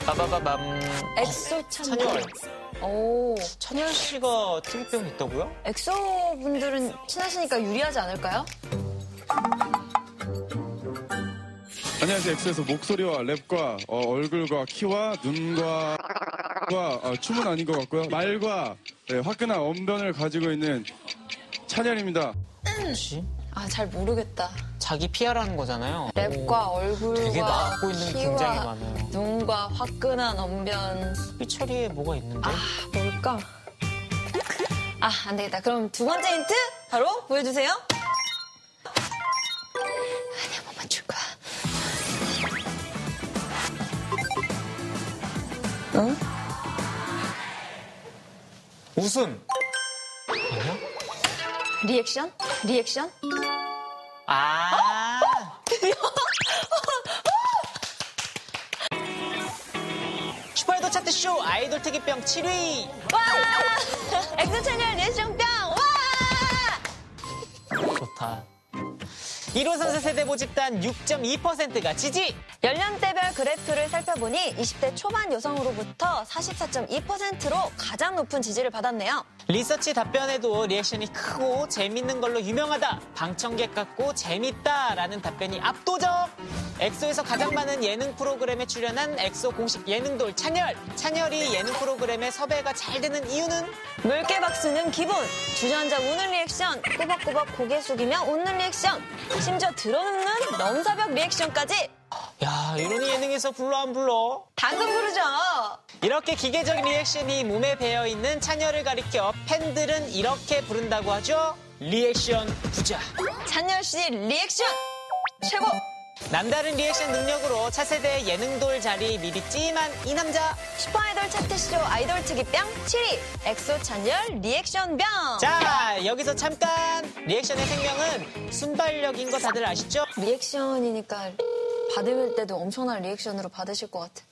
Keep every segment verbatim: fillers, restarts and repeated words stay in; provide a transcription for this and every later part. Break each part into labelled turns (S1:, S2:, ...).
S1: 빠바바밤.
S2: 엑소 찬열.
S1: 오. 찬열 씨가 특이병이 있다고요?
S2: 엑소 분들은 친하시니까 유리하지 않을까요?
S3: 안녕하세요. 엑소에서 목소리와 랩과 어, 얼굴과 키와 눈과 어, 춤은 아닌 것 같고요. 말과 네, 화끈한 언변을 가지고 있는 찬열입니다.
S1: 혹시?
S2: 아, 잘 모르겠다.
S1: 자기 피아라는 거잖아요.
S2: 랩과 얼굴과
S1: 되게 맡고 있는
S2: 키와
S1: 굉장히 많아요.
S2: 눈과 화끈한 언변.
S1: 삐처리에 뭐가 있는데?
S2: 아, 뭘까? 아, 안 되겠다. 그럼 두 번째 힌트 바로 보여주세요. 아니, 한 번만 줄 거야. 응?
S1: 웃음. 아니야?
S2: 리액션? 리액션?
S1: 아. 슈퍼아이돌 차트쇼 아이돌 특이병 칠 위.
S2: 와! 엑소 채널 리액션병! 와!
S1: 좋다. 일 호 선수 세대 모집단 육 점 이 퍼센트가 지지.
S2: 연령대별 그래프를 살펴보니 이십 대 초반 여성으로부터 사십사 점 이 퍼센트로 가장 높은 지지를 받았네요.
S1: 리서치 답변에도 리액션이 크고 재밌는 걸로 유명하다. 방청객 같고 재밌다라는 답변이 압도적. 엑소에서 가장 많은 예능 프로그램에 출연한 엑소 공식 예능돌 찬열. 찬열이 예능 프로그램에 섭외가 잘 되는 이유는?
S2: 물개 박수는 기본, 주저앉아 우는 리액션, 꼬박꼬박 고개 숙이며 웃는 리액션, 심지어 들어눕는 넘사벽 리액션까지.
S1: 야, 이런 예능에서 불러 안 불러?
S2: 당근 부르죠.
S1: 이렇게 기계적 리액션이 몸에 배어있는 찬열을 가리켜 팬들은 이렇게 부른다고 하죠. 리액션 부자.
S2: 찬열 씨 리액션 최고.
S1: 남다른 리액션 능력으로 차세대 예능돌 자리 미리 찜한 이 남자.
S2: 슈퍼아이돌 차트쇼 아이돌 특이병 칠 위 엑소 찬열 리액션병.
S1: 자, 여기서 잠깐. 리액션의 생명은 순발력인 거 다들 아시죠?
S2: 리액션이니까 받을 때도 엄청난 리액션으로 받으실 것 같아.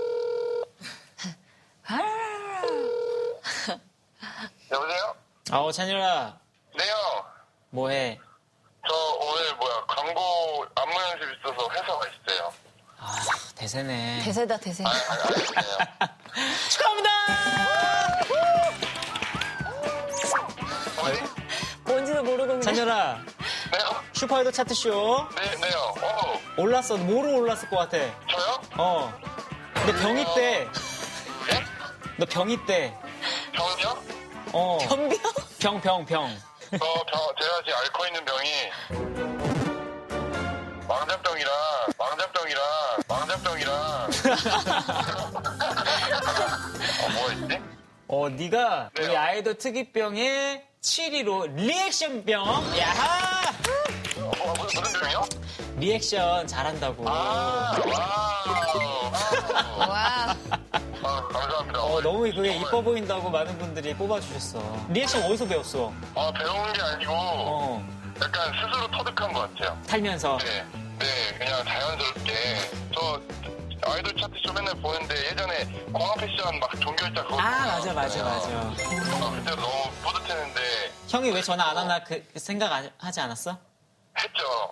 S4: 여보세요?
S1: 어, 찬열아.
S4: 네요.
S1: 뭐해?
S4: 저 오늘 뭐야 광고 안무 연습 있어서 회사 가 있어요.
S1: 아, 대세네.
S2: 대세다 대세.
S4: 아, 아, 알겠어요.
S1: 축하합니다!
S4: 뭐지?
S2: 뭔지도 모르고 그냥.
S1: 찬열아,
S4: 네요?
S1: 슈퍼아이돌 차트쇼
S4: 네, 네요. 어,
S1: 올랐어. 뭐로 올랐을 것 같아?
S4: 저요?
S1: 어. 너 병이 때.
S4: 네?
S1: 너 병이 때.
S4: 병이요?
S1: 어.
S2: 변병?
S1: 병, 병, 병.
S4: 저 병, 제가 지금 앓고 있는 병이 망자병이라, 망자병이라, 망자병이라. 어, 뭐가 있지?
S1: 어, 네가
S4: 네요.
S1: 우리 아이돌 특이병의 칠 위로 리액션병. 야하!
S4: 어, 무슨, 무슨 병이요?
S1: 리액션 잘한다고.
S4: 아, 와우. 와우.
S2: 와.
S4: 아, 감사합니다.
S1: 어, 너무 그게
S4: 정말,
S1: 이뻐 보인다고 많은 분들이 뽑아주셨어. 리액션 어디서 배웠어?
S4: 아, 배운 게 아니고
S1: 어,
S4: 약간 스스로 터득한 것 같아요.
S1: 살면서.
S4: 네, 네, 그냥 자연스럽게. 저 아이돌 차트쇼 맨날 보는데 예전에 공항 패션 막 종결자 그거.
S1: 아, 맞아, 맞아, 맞아.
S4: 아, 그때 너무 뿌듯했는데
S1: 형이 왜 전화 안 하나 그 생각 안- 하지 않았어?
S4: 했죠.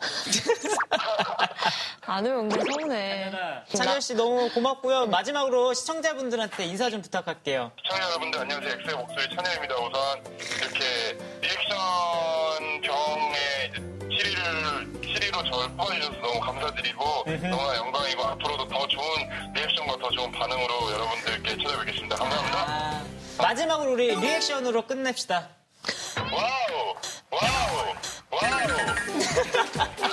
S2: 안 오면 은근 서운해.
S1: 찬열 씨 너무 고맙고요. 마지막으로 시청자분들한테 인사 좀 부탁할게요.
S4: 시청자 여러분들 안녕하세요. 엑소의 목소리 찬열입니다. 우선 이렇게 리액션 병의 칠 위를 칠 위로 저를 뽑아주셔서 너무 감사드리고 너무나 영광이고 앞으로도 더 좋은 리액션과 더 좋은 반응으로 여러분들께 찾아뵙겠습니다. 감사합니다.
S1: 아, 마지막으로 우리 리액션으로 끝냅시다.
S4: 와우! 와우! 와우!